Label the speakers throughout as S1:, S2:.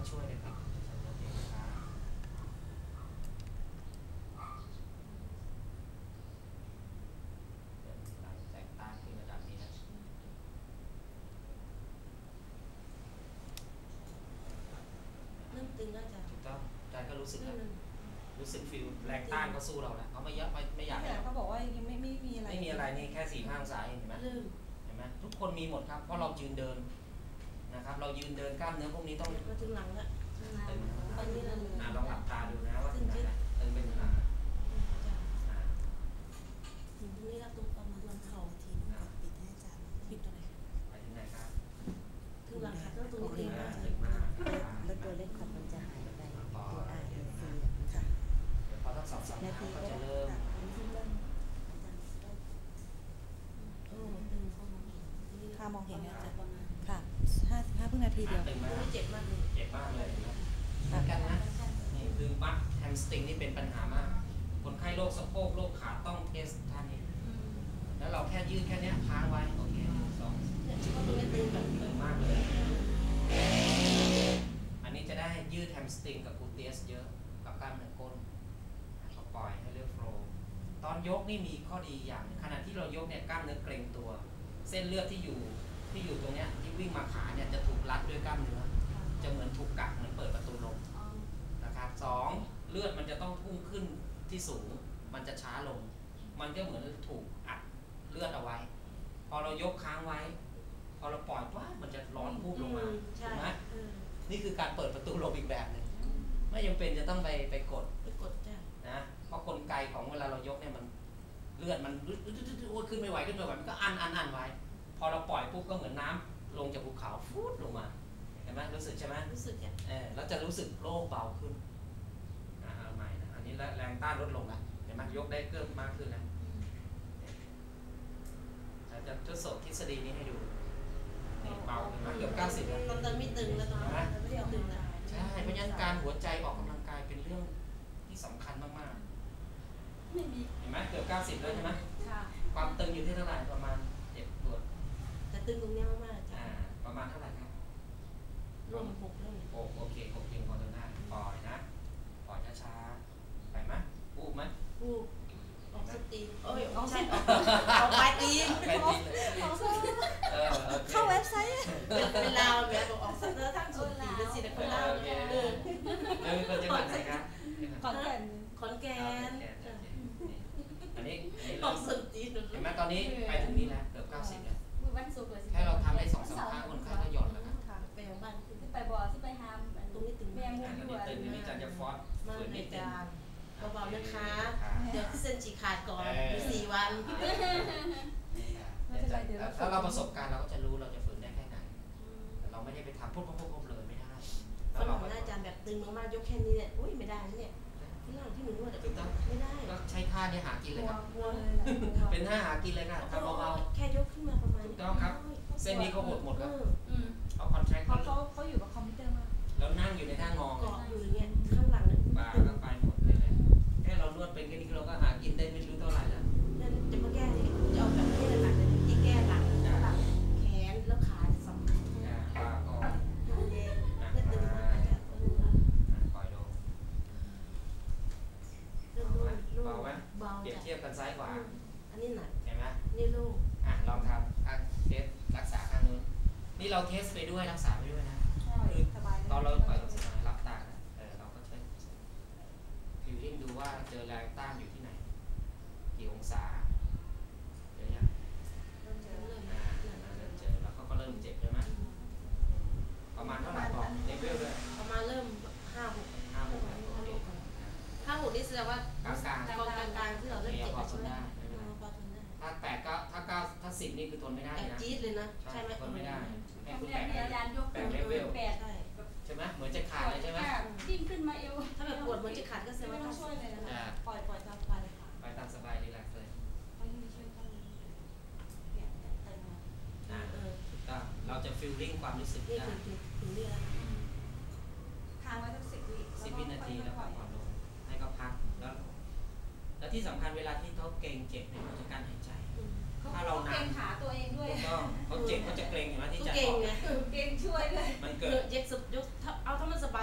S1: ต้องช่วยเลยครับแสงตาขึ้นระดับนี้นะ
S2: เริ่มตึงแล้วจ้ะ
S1: ถูกต้องใจก็รู้สึกแล้วรู้สึกฟิลแรงต้านก็สู้เราแล้วเขาไม่เยอะไม่อยาก
S3: เขาบอกว่ายังไม่มีอะไร
S1: ไม่มีอะไรนี่แค่4-5 องศาเห็นไหมเห็นไหมทุกคนมีหมดครับเพราะเรายืนเดินนะครับเรายืนเดินกล้ามเนื้อพวกนี้ต้อง
S2: มาถึงหลังแล้ว
S1: ตึง
S2: ตอนนี้เรา
S1: ลองหลับตาดูนะว่าตึงไหนตึงเป็นหลัง
S2: นี่เราตุ้ประมาณวันเข่าทีปิดให้อาจารย์ปิดตัวไหน
S1: ไปถึงไหนครับ
S2: ถึงหลังค่ะต้องตรงนี้
S1: ตึงมาก
S4: แล้วตัวเล็กของมันจะหายไปตัว RNC ค่ะ
S1: พอทั้งสองสัปดาห์ก็จะเริ่ม
S3: ค่ามองเห็นเนี่ยค่ะ55 นาทีเดียว
S1: เจ็บมากเลยเหมือนกันนะนี่คือบัคแฮมสตริงนี่เป็นปัญหามากคนไข้โรคสะโพกโรคขาต้องเทสท่านี้แล้วเราแค่ยืดแค่นี้ค้างไว้โอเคตึงมากเลยอันนี้จะได้ยืดแฮมสตริงกับกลูเตียสเยอะกับกล้ามเนื้อก้นก็ปล่อยให้เลือดโฟลว์ตอนยกนี่มีข้อดีอย่างขณะที่เรายกเนี่ยกล้ามเนื้อเกร็งตัวเส้นเลือดที่อยู่ตรงเนี้ยที่วิ่งมาขาเนี่ยจะถูกรัดด้วยกล้ามเนื้อจะเหมือนถูกกักเหมือนเปิดประตูลมนะครับ2เลือดมันจะต้องพุ่งขึ้นที่สูงมันจะช้าลงมันก็เหมือนถูกอัดเลือดเอาไว้พอเรายกค้างไว้พอเราปล่อยว่ามันจะร้อนพุ่งลงมาถูกไหมนี่คือการเปิดประตูลมอีกแบบหนึ่งไม่จำเป็นจะต้องไปกดนะเพราะกลไกของเวลาเรายกเนี่ยมันเลือดมันขึ้นไม่ไหวมันก็อันไว้พอเราปล่อยปุ๊บก็เหมือนน้ำลงจากภูเขาฟูดลงมาเห็นไหมรู้สึกใช่ไหม
S2: รู้สึก
S1: แล้วจะรู้สึกโล่งเบาขึ้นเอาใหม่นะอันนี้แรงต้านลดลงแล้วเห็นไหมยกได้เพิ่มมากขึ้นแล้วจะทดสอบทฤษฎีนี้ให้ดูนี่เบาเห็นไหมเกือบ90แล้ว
S2: ตอนไม่ตึงแล้วตอนนี้ไม่ตึงแล้ว
S1: ใช่เพราะฉะนั้นการหัวใจออกกำลังกายเป็นเรื่องที่สำคัญมากๆเห็นไหมเกือบ90แล้วใช่ไหมความตึงอยู่ที่เท่าไหร่ประมาณ7 ตัว
S2: แต่ตึงตรงนี้มากๆจ้ะ
S1: ประมาณเท่าไหร่ครับ
S2: รวม6เลย
S1: โอเค6จริงพอจนได้ปล่อยนะปล่อยช้าๆไปไหมอูบไหม
S2: อูบออกสตีนออกใช่ออกปลายตีน
S3: เข้าเว็บไซต์
S2: เป็นลาวแบบออกสเตอร์ทั้งสุดตีเป็นสิคนลาว
S1: แล้วมีคนจังหวัดไหนครับ
S3: ขอนแก่น
S1: อันนี้
S2: ออกสุดตีน
S1: เห็นไหมตอนนี้ไปถึงนี้แล้วเกือบ90แล้วแค่เราทำได้2-3 ครั้งคนไข้ก็หย่อนแล้วครับ
S2: ไปยังบ้าน
S4: ไปบ่อที่ไปหาม
S2: ตรงนี้ตึง
S4: แม่มุก
S1: อยู่อันนี้จันจะฟอสฝืนนิดนึง
S2: เบาๆนะคะเดี๋ยวเส้นฉีกขาดก่อน4 วัน
S1: ถ้าเราประสบการณ์เราก็จะรู้เราจะฝืนได้แค่ไหนเราไม่ได้ไปทำปุ๊บเลยไม่ได้
S2: แล้วเราอาจารย์แบบตึงมากๆยกแค่นี้เนี่ยอุ้ยไม่ได้เนี่ยที่เราที่หนูนวดไม่ได้
S1: ก็ใช้ท่านี้หากินเลยครับเป็นท่าหากินเลยค่ะทำเบา
S2: ๆแค่ยกขึ้นมาประมาณ
S1: ถูกต้องครับเส้นนี้เขาหดครับเอาคอนแทค
S3: เขาอยู่กับคอมพิวเตอร์มาก
S1: แล้วนั่งอยู่ในท่างอ
S2: เกาะอยู่เนี่ยข้างหลัง
S1: ปลาก็ไปหมดเลยแค่เรานวดเป็นแค่นี้เราก็หากินได้ไม่รู้เท่าไหร่แล้ว
S2: จะมาแก้ที่จะเอาแบบแก้หลังที่แก้หลังแขนแล้วขาสอง
S1: ปลาก็
S2: ไม่ตึงมากจ้ะ
S1: ปล่อยลงเบาไหมเปรียบเทียบกันซ้ายขวา
S2: อันนี้หนัก
S1: เห็นไหม
S2: นี่ลูก
S1: ลองทำเทสรักษาข้างนู้นนี่เราเทสไปด้วยรักษาไปด้วยนะตอนเราปล่อยสบายรับตาเราก็ช่วยฟิลลิ่งดูว่าเจอแรงต้านอยู่ที่ไหนกี่องศาเจอยังเริ่มเจอแล้วก็เริ่มเจ็บใช่ไหมประมาณเท่าไหร่บอกเลเวลด้วย
S2: ประมาณเริ่ม5-6นี่แสดงว่ากลางที่เราเริ่มเจ็บใช่ไหม
S1: ถ้า8ก็ถ้า10นี่คือทนไม่ได้นะ
S2: จี๊ดเลยนะใช่ไหม
S1: ทนไม่ได้
S4: ให้คุณแบก
S1: เลเวลใช่ไหมเหมือนจะขาดเลยใช่ไหม
S4: ดิ้นขึ้นมาเอว
S2: ถ้าแบบปวดเหมือนจะขาดก็แสดงว่า
S3: ต้องช่วยเลยนะปล่อยตามสบายเลยค่ะ
S1: ปล่อยตามสบายรีแลกซ์เลยถูกต้องเราจะฟีลลิ่งความรู้สึกได้
S3: ทางไว้สัก
S1: 10 วินาทีแล้วก็ผ่อนลงให้เขาพักแล้วที่สำคัญเวลาที่เขาเกร็งเจ็บเนี่ยเขาจะการหายใจถ้าเรา
S4: เกร็งขาตัวเองด้วย
S1: ก็เขาเจ็บเขาจะเกร็งอยู่แล้วที่จะ
S2: เกร็งไง
S4: เกร็งช่วยเลย
S1: มันเกิด
S2: ยกเอาถ้ามันสบาย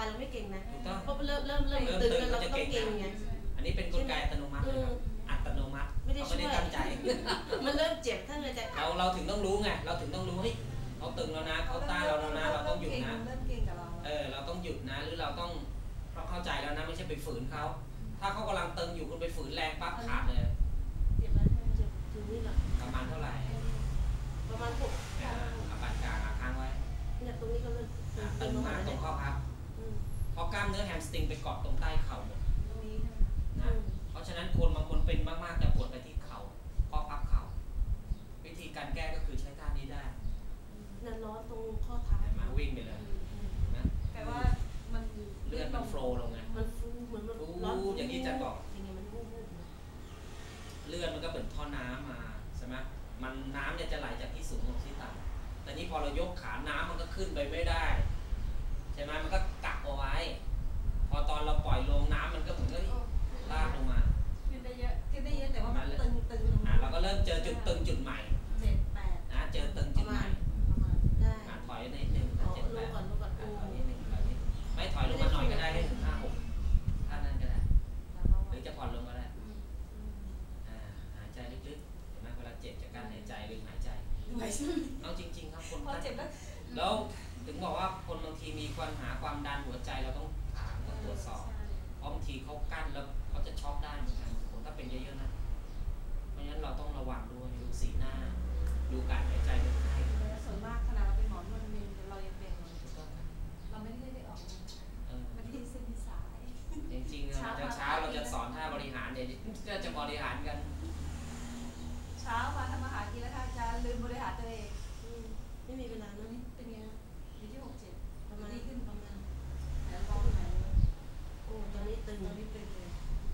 S2: เริ่มตึงแล้วเราก็ต้องเก่งไง
S1: อันนี้เป็นกลไกอัตโนมัติเลยครับอัตโนมัติเขาไม่ได้ตั้งใจ
S2: มันเริ่มเจ็บถ้าเกิดจะ
S1: เราถึงต้องรู้ไงเราถึงต้องรู้เฮ้ยเขาตึงแล้วนะเขาต้านเราแล้วนะเราต้องหยุดนะ
S3: เริ่มเก่งกับเรา
S1: เราต้องหยุดนะหรือเราต้องเข้าใจแล้วนะไม่ใช่ไปฝืนเขาถ้าเขากำลังตึงอยู่คุณไปฝืนแรงปั๊บขาดเลย
S2: เจ็บแล้วเจ็บถึงนี่หรอ
S1: ประมาณเท่าไหร่
S2: ประมาณ6
S1: อาปานกลางค้างไว้
S2: เนี่ยตรงนี้ก็เริ่ม
S1: ตึงมากตรงข้อพับเพราะกล้ามเนื้อแฮมสตริงไปเกาะตรงใต้เข่าหมดนะเพราะฉะนั้นคนบางคนเป็นมากๆจะปวดไปที่เข่าข้อพับเข่าวิธีการแก้ก็คือใช้ท่านี้ได้
S2: นั่นร้อนตรงข้อเท้า
S1: มาวิ่งไปเลยนะ
S3: แต่ว่ามัน
S1: เลือดมันโฟล์ลงไง
S2: มันฟูเหมือนมันร้อนอย่างนี้มันวูบ
S1: เลือดมันก็เป็นท่อน้ำมาใช่ไหมมันน้ำเนี่ยจะไหลจากที่สูงลงที่ต่ำแต่นี้พอเรายกขาน้ำมันก็ขึ้นไปไม่ได้ใช่ไหมมันก็กักเอาไว้พอตอนเราปล่อยลงน้ำมันก็เหมือนกับลากลงมา
S3: ขึ้นได้เยอะแต่ว่ามันตึง
S1: เราก็เริ่มเจอจุดตึงจุดใหม่
S3: 7 8
S1: นะเจอตึงจุดใหม่
S2: ได้
S1: ถอยนิดนึง
S2: ล
S1: 7
S2: ง
S1: 8
S2: ก่อน
S1: ถอยนิดนึงไม่ถอยลงมาหน่อยก็ได้ให้ถึง5 6ท่านั้นก็ได้หรือจะผ่อนลงก็ได้หายใจลึกๆเห็นไหมเวลาเจ็บจากการหายใจลืมหายใจเอาจริงๆครับคน
S3: พอเจ็บแล้ว
S1: แล้วถึงบอกว่าคนบางทีมีปัญหาความดันหัวใจเราต้องถามต้องตรวจสอบเพราะบางทีเขากั้นแล้วเขาจะช็อกได้เหมือนกันถ้าเป็นเยอะๆนะเพราะฉะนั้นเราต้องระวังด้วยดูสีหน้าดูการหายใจคนไข้
S3: ส่วนมากขนาดเราเป็นหมอนวดเรายังเป็นเราไม่ได้ไปออกมันที่เส้นสาย
S1: จริงๆเช้าเราจะสอนท่าบริหารเนี่ยก็จะบริหารกัน
S3: เช้ามาทำอาหารกินแล้วอาจารย์ลืมบริหารตัวเอง
S2: ไม่มีเวลา
S3: ตอน
S2: นะ
S3: นี้เป็นไงอยู่ที่67
S2: ประมาณ
S3: ดีขึ้น
S2: ประมาณ
S3: แล้วลองไหน
S2: โอ้ตอนนี้ตึง
S3: ตอนนี้ตึงเลย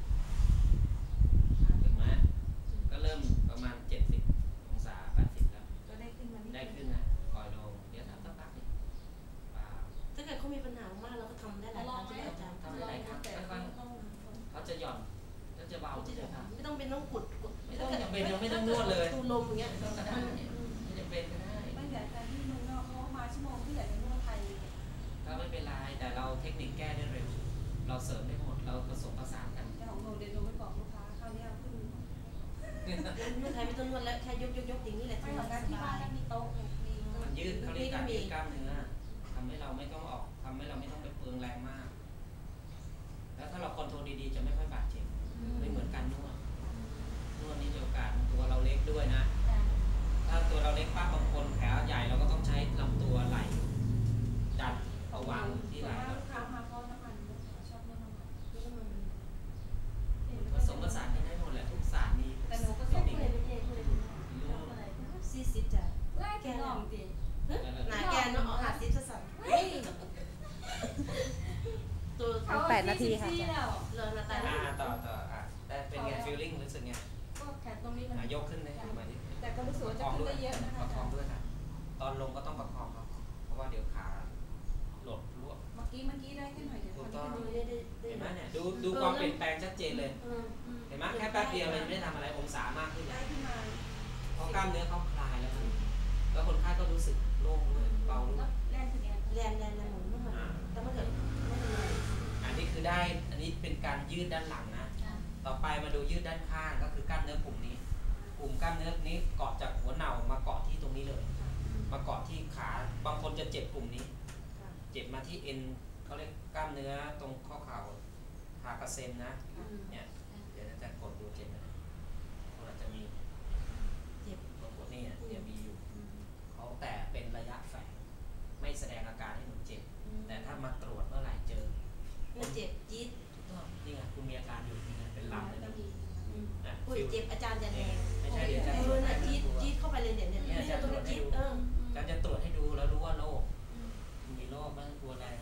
S1: ถึงไหมก็เริ่มประมาณ70 องศา 80 แล้ว
S3: ก็ได้ขึ้นมา
S1: ได้ขึ้นนะปล่อยลงเดี๋ยวทำสักพักนึงเปล่า
S2: ถ้าเกิดเขามีปัญหามากเราก็ทำได้หลายครั้งใช่ไหมอาจารย์
S1: ทำได้หลายครั้งค่อยๆเขาจะหย่อนเขาจะเบาจะทำ
S2: ไม่ต้องเป็นต้องกด
S1: ไม่ต้องจำเป็นยังไม่ต้องนวดเลย
S2: ตูลมอย่างเงี้ย
S1: ไม่ต้องก็ได้ไม่จำเป็นก็ได้
S3: ตั้งแต่การที่เมืองนอกเขามาชั่วโมงที่อยากจะนวดไทย
S1: ก็ไม่เป็นไรแต่เราเทคนิคแก้ได้เร็วเราเสริมได้หมดเราผสมผสานกัน
S3: แต่ของหนูเดี๋ยวหนูไปบอกลูกค้าคราวนี้เอาขึ้น
S2: นวดไทยไม่ต้องนวดแล้วแค่ยกอย่างนี้แหละ
S3: ไม่ของการที่บ้านมีโต๊ะมี
S1: มันยืดเขาเรียกการยืดกล้ามเนื้อทำให้เราไม่ต้องทำให้เราไม่ต้องไปเปลืองแรงมาก แล้วถ้าเราคอนโทรลดีๆจะไม่ค่อยบาดเจ็บไม่เหมือนการนวดนี่มีโอกาสตัวเราเล็กด้วยนะถ้าตัวเราเล็กป้าบางคนแผลใหญ่เราก็ต้องใช้ลำตัวไหล่ดันเอาวางที่ไหล่
S3: ลูกค้ามาเพราะน้ำมันชอบนวดน้ำมัน
S1: ผสมผสานกันได้หมดแหละทุกศาสตร์มี
S3: แต่หนูก็
S1: เท
S3: ส่
S1: ค
S3: ง
S1: นิค
S3: เลยไปเองเลยอะไร
S2: 40จ้ะ
S3: แกลองดิ
S2: หนาแกนเนาะหาซิปสั่นตัว
S3: 8 นาทีค่ะ
S2: เลินมาตาย
S1: ต่อแต่เป็นไงฟีลลิ่งรู้สึกไง
S3: ก็แขนตรงนี้มัน
S1: ยกขึ้นเลยมาดิ
S3: แต่ก็รู้สึกว่าจะขึ้นได้เยอะนะ
S1: ประ
S3: คะ
S1: คองด้วยค่ะตอนลงก็ต้องประคองครับเพราะว่าเดี๋ยวขาหลดรวบ
S3: เมื่อกี้ได้แค่หน่อยเดี๋ยว
S1: ถู
S3: ค
S1: ก
S3: น
S1: ต้อง
S3: ที่ดู
S1: เห็นไหมเนี่ยดูความเปลี่ยนแปลงชัดเจนเลยเห็นไหมแค่แป๊บเดียวเลยไม่ได้ทำอะไรองศามากขึ้น
S3: ได้ขึ้นมา
S1: เพราะกล้ามเนื้อเขาคลายแล้วแล้วคนไข้ก็รู้สึกโล่งด้วยเบาด้วย
S3: แรงถึงไง
S2: แรงหมุนไม่หมดแต่ถ้าเกิดไม่เป็นไร
S1: อันนี้คือได้อันนี้เป็นการยืดด้านหลังนะต่อไปมาดูยืดด้านข้างก็คือกล้ามเนื้อกลุ่มนี้กลุ่มกล้ามเนื้อนี้เกาะจากหัวเน่ามาเกาะที่ตรงนี้เลยมาเกาะที่ขาบางคนจะเจ็บกลุ่มนี้เจ็บมาที่เอ็นเขาเรียกกล้ามเนื้อตรงข้อเข่าฮากาเซนนะเนี่ยเดี๋ยวจะกดดูเจ็บนะคนอาจจะมีเจ็บบางคนนี่เดี๋ยวมีอยู่เขาแต่เป็นระยะแฝงไม่แสดงอาการให้หนูเจ็บแต่ถ้ามาตรวจเมื่อไหร่เจอ
S2: มันเจ็บจี๊ด
S1: นี่ไงคุณมีอาการอยู่นี่ไงเป็นลำเลย
S2: อุ้ยเจ็บอาจารย์จะแรง
S1: ไม่ใช่เดี๋ยวจะตรวจ
S2: นะจี๊ดเข้าไปเลยเนี่ยตรงนี้จี๊ด
S1: การจะตรวจให้ดูแล้วรู้ว่าโรคมีโรคบ้างกลัวแรง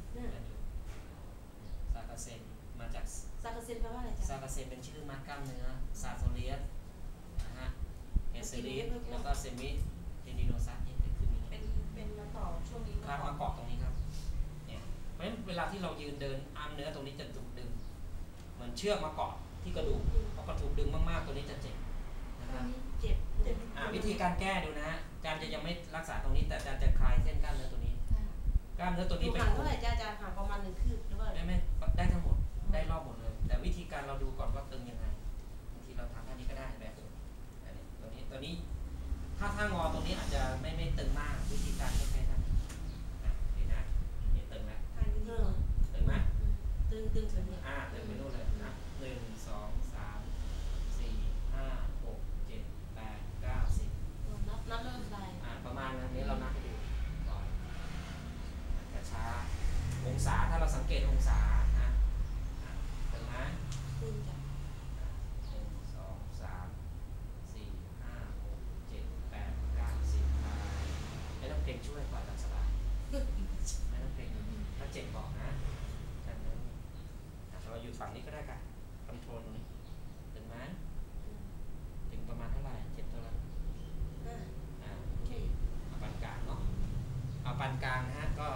S1: ซากาเซนมาจาก
S2: ซากาเซนแปลว่าอะไรจ๊ะ
S1: ซากาเซนเป็นชื่อมัดกล้ามเนื้อซาโซเลียสนะฮะเฮเซลิสแล้วก็เซมิเทนิโนซัสนี่คือนี้
S3: เป็นมาต่อช่วงนี้
S1: ครับมาเกาะตรงนี้ครับเนี่ยเพราะฉะนั้นเวลาที่เรายืนเดินอ้ามเนื้อตรงนี้จะถูกดึงเหมือนเชือกมาเกาะที่กระดูกพอกระถูกดึงมากๆตัวนี้จะเจ็บนะครับ
S2: เจ็บ
S1: วิธีการแก้ดูนะฮะการจะยังไม่รักษาตรงนี้แต่อาจารย์จะคลายเส้นกล้ามเนื้อตัวนี้กล้ามเนื้อตัวนี้เป็น
S2: ห่างเท่าไหร่อาจารย์ห่างประมาณ1 คืบหรือว่า
S1: ไม่ได้ทั้งหมดได้รอบหมดเลยแต่วิธีการเราดูก่อนว่าตึงยังไงบางทีเราทำท่านี้ก็ได้แบบอันนี้ตัวนี้ถ้างอตรงนี้อาจจะไม่ตึงมากวิธีการก็แค่นั้นนี่นะนี่ตึงแล้วตึงไหม
S2: ตึงถึงเนี่ย
S1: ตึงไปนู่นเลยนะ1 2 3 4 5 6 7 8 9 10
S2: นับเริ่มไป
S1: ประมาณนั้นนี้เรานับให้ดูก่อนกระช้าองศาถ้าเราสังเกตองศานะตึงไหม
S2: ตึงจ้ะ
S1: 1 2 3 4 5 6 7 8 9 10ไม่ต้องเกรงช่วยปล่อยตามสบายไม่ต้องเกรงถ้าเจ็บบอกนะเราอยู่ฝั่งนี้ก็ได้ค่ะคอนโทรลตรงนี้ถึงไหมถึงประมาณเท่าไหร่เจ็บเท่าไหร่โอเคเอาปานกลางเนาะเอาปานกลางนะฮะก็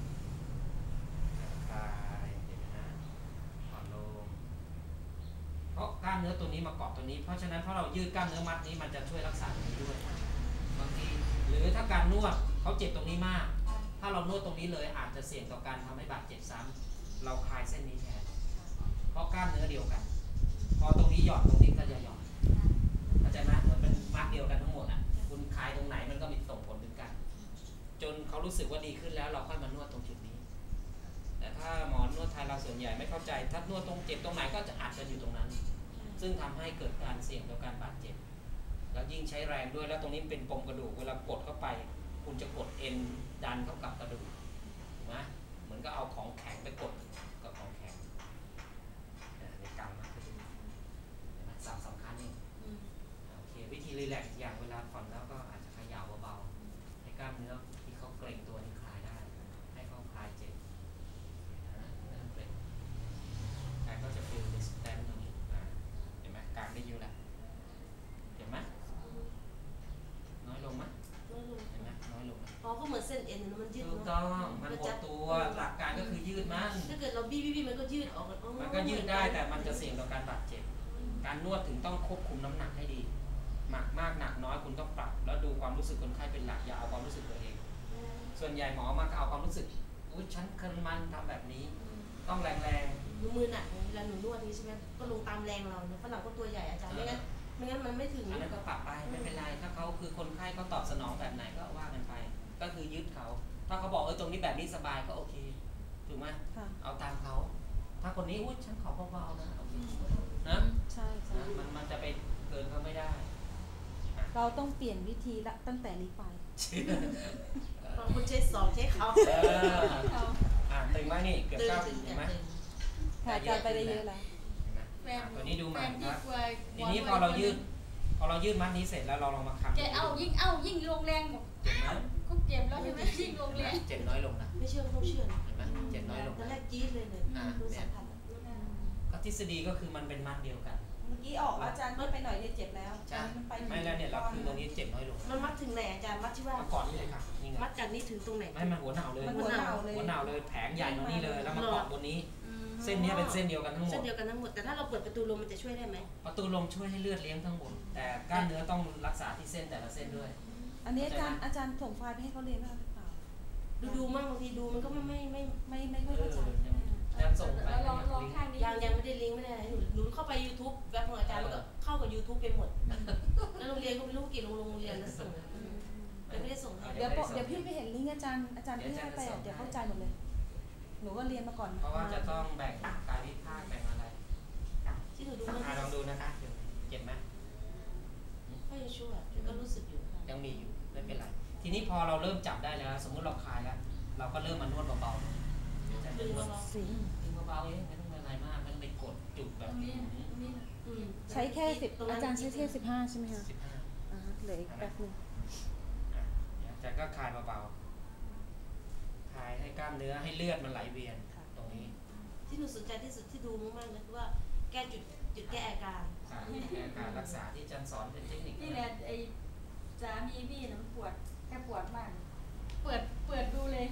S1: คลายเดี๋ยวนะผ่อนลงเพราะกล้ามเนื้อตัวนี้มาเกาะตัวนี้เพราะฉะนั้นพอเรายืดกล้ามเนื้อมัดนี้มันจะช่วยรักษาตรงนี้ด้วยบางทีหรือถ้าการนวดเขาเจ็บตรงนี้มากถ้าเรานวดตรงนี้เลยอาจจะเสี่ยงต่อการทำให้บาดเจ็บซ้ำเราคลายเส้นนี้แทนเพราะกล้ามเนื้อเดียวกันพอตรงนี้หย่อนตรงนี้ก็จะหย่อนเข้าใจไหมเหมือนเป็นมัดเดียวกันทั้งหมดอ่ะคุณคลายตรงไหนมันก็มีส่งผลถึงกันจนเขารู้สึกว่าดีขึ้นแล้วเราค่อยมานวดตรงจุดนี้แต่ถ้าหมอนวดไทยเราส่วนใหญ่ไม่เข้าใจถ้านวดตรงเจ็บตรงไหนก็จะอาจจะอยู่ตรงนั้นซึ่งทำให้เกิดการเสี่ยงต่อการบาดเจ็บแล้วยิ่งใช้แรงด้วยแล้วตรงนี้เป็นปมกระดูกเวลากดเข้าไปคุณจะกดเอ็นดันเข้ากับกระดูกถูกไหมเหมือนก็เอาของแข็งไปกดกับของแข็งในกรรมนะสำคัญนี่โอเควิธีรีแลกซ์อย่างเวลาผ่อนแล้วก็อาจจะขยับเบาๆให้กล้ามเนื้อที่เขาเกร็งตัวนี้คลายได้ให้เขาคลายเจ็บนั่นเกร็งกายก็จะฟีลดิสแตนตรงนี้เห็นไหมกลางได้เยอะแล้วเห็นไหมน้อยลงไหมเห็นไหมน้อยลง
S2: พอก็เหมือนเส้นเอ็นมันยืด
S1: ถูกต้องมันหดตัวหลักการก็คือยืดมัน
S2: ถ้าเกิดเราบี้มันก็ยืดออก
S1: มันก็ยืดได้แต่มันจะเสี่ยงต่อการบาดเจ็บการนวดถึงต้องควบคุมน้ำหนักให้ดีหนักมากหนักน้อยคุณต้องปรับแล้วดูความรู้สึกคนไข้เป็นหลักอย่าเอาความรู้สึกตัวเองส่วนใหญ่หมอมาเอาความรู้สึกอุ้ยฉันเคยมันทำแบบนี้ต้องแรง
S2: มือหนักเวลาหนูนวดนี้ใช่ไหมก็ลงตามแรงเราฝรั่งก็ตัวใหญ่อาจารย์ไม่งั้นมันไม่ถึง
S1: อันนั้นก็ปรับไปไม่เป็นไรถ้าเขาคือคนไข้เขาตอบสนองแบบไหนก็ว่ากันไปก็คือยึดเขาถ้าเขาบอกตรงนี้แบบนี้สบายก็โอเคถูกไหมเอาตามเขาถ้าคนนี้อุ้ยฉันขอเบาๆนะโอเคนะ
S4: ใช่
S1: มันจะไปเกินเขาไม่ได้
S4: เราต้องเปลี่ยนวิธีละตั้งแต่นี้ไป
S2: บางคนใช้สองใช้เขา
S1: ตึงไหมนี่เกือบเก้าถึงไหม
S4: ค่ะอาจารย์ไปได้เยอะแล้ว
S1: ตัวนี้ดูใหม่ครับทีนี้พอเรายืดมัดนี้เสร็จแล้วเราลองมาคำ
S3: ยิ่งลงแรงหมดก็เจ็บแล้วใช่ไหมยิ่งลงแรง
S1: เจ็บน้อยลงนะ
S2: ไม่เชื่อต้องเชื่อ
S1: เห็นไหมเจ็บน้อยลง
S2: ตอนแรกจี๊ดเลยดูสัมผัส
S1: ก็ทฤษฎีก็คือมันเป็นมัดเดียวกัน
S4: เมื่อกี้ออกอาจารย์เมื่อไปหน่อยเนี่ยเจ็บแล้ว
S1: ไม่แล้วเนี่ยเราคือตรงนี้เจ็บน้อยลง
S2: มันมัดถึงไหนอาจารย์มัดที่ว่า
S1: ก่อนนี่เลยค่ะ
S2: มัดจากนี้ถึงตรงไหน
S1: ไม่มันหัวหนาวเลยหัวหนาวเลยแผงใหญ่ตรงนี้เลยแล้วมาเกาะบนนี้เส้นนี้เป็นเส้นเดียวกันทั้งหมด
S2: แต่ถ้าเราเปิดประตูลมมันจะช่วยได้ไหม
S1: ประตูลมช่วยให้เลือดเลี้ยงทั้งหมดแต่กล้ามเนื้อต้องรักษาที่เส้นแต่ละเส้นด้วย
S4: อันนี้อาจารย์ส่งไฟล์ไปให้เขาเรียนบ้างหรือเปล่า
S2: ดูมั่งบางทีดูมันก็ไม่ค่อยเข้าใจ
S1: ยังส่งไป
S2: ยังไม่ได้ลิงก์ไม่ได้อะไรหนูเข้าไป YouTube แว็บของอาจารย์มันก็เข้ากับ YouTube ไปหมดแล้วโรงเรียนก็ไม่รู้กี่โรงเรียนแล้วส่งไม่ได้ส่ง
S4: เดี๋ยวพี่ไปเห็นลิงก์อาจารย์พี่ให้ไปเดี๋ยวเข้าใจหมดเลยหนูก็เรียนมาก่อน
S1: เพราะว่าจะต้องแบ่งกายวิภาคแบ่งอะไร
S2: ที่หนูดู
S1: ลองดูนะคะเจ็บไหม
S2: ก็ยังชั่วก็รู้สึกอยู่
S1: ยังมีอยู่ไม่เป็นไรทีนี้พอเราเริ่มจับได้แล้วสมมุติเราคลายแล้วเราก็เริ่มมานวดเบาๆจะดึงเบาๆเองไม่ต้องอะไรมากไม่ต้องไปกดจุดแบบนี้
S4: ใช้แค่10อาจารย์ใช้แค่15ใช่ไหมคะ15เหลืออีกแป๊บนึง
S1: แต่ก็คลายเบาๆคลายให้กล้ามเนื้อให้เลือดมันไหลเวียนตรงนี้
S2: ที่หนูสนใจที่สุดที่ดูมากๆนะคือว่าแก้จุดแก้อาการ
S1: รักษาที่อาจารย์สอนเป็นเทคนิค
S3: นี่แหละไอ้สามีพี่นะปวดแค่ปวดมากเปิดดูเลย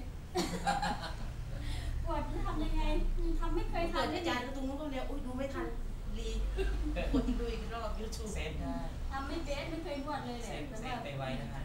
S3: ปวดทำยังไงทำไม่เคยทำ
S2: อาจารย์ตรงนู้นก็เรียกอุ้ยดูไม่ทันรีกดดูอีกรอบ YouTube
S1: เซฟได้
S3: ทำไม่เบสไม่เคยนวดเลยแหละ
S1: เซฟไปไว้นะคะ